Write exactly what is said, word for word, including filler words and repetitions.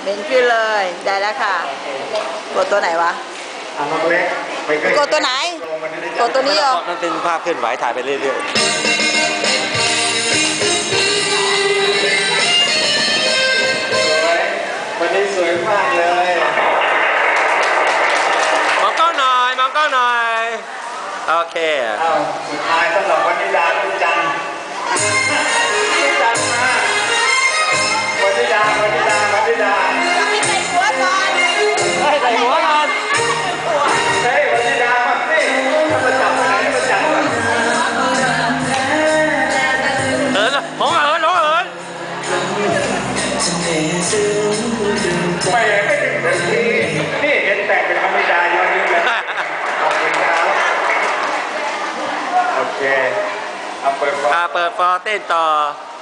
เบนขึ้นเลยได้แล้วค่ะกดตัวไหนวะกดตัวไหนกดตัวนี้เหรอมันเป็นภาพเคลื่อนไหวถ่ายไปเรื่อยๆวันนี้สวยมากเลยมองกล้องหน่อยมองกล้องหน่อยโอเคอ้าวสุดท้ายสำหรับวันนิดาวันจันทร์วันจันทร์มาวันนิดาวันนิดาวันนิดาไม่ใส่หัวก่อนให้ใส่หัวก่อนเฮ้ยวันนิดามาสิมาจับไปไหนมาจับเออมองเอิญมองเอิญไม่ไม่ถึงนาทีนี่เห็นแต่งเป็นธรรมดาอยู่นี่เลยขอบคุณครับโอเคเอาเปิดฟอร์เปิดฟอร์เต้นต่อ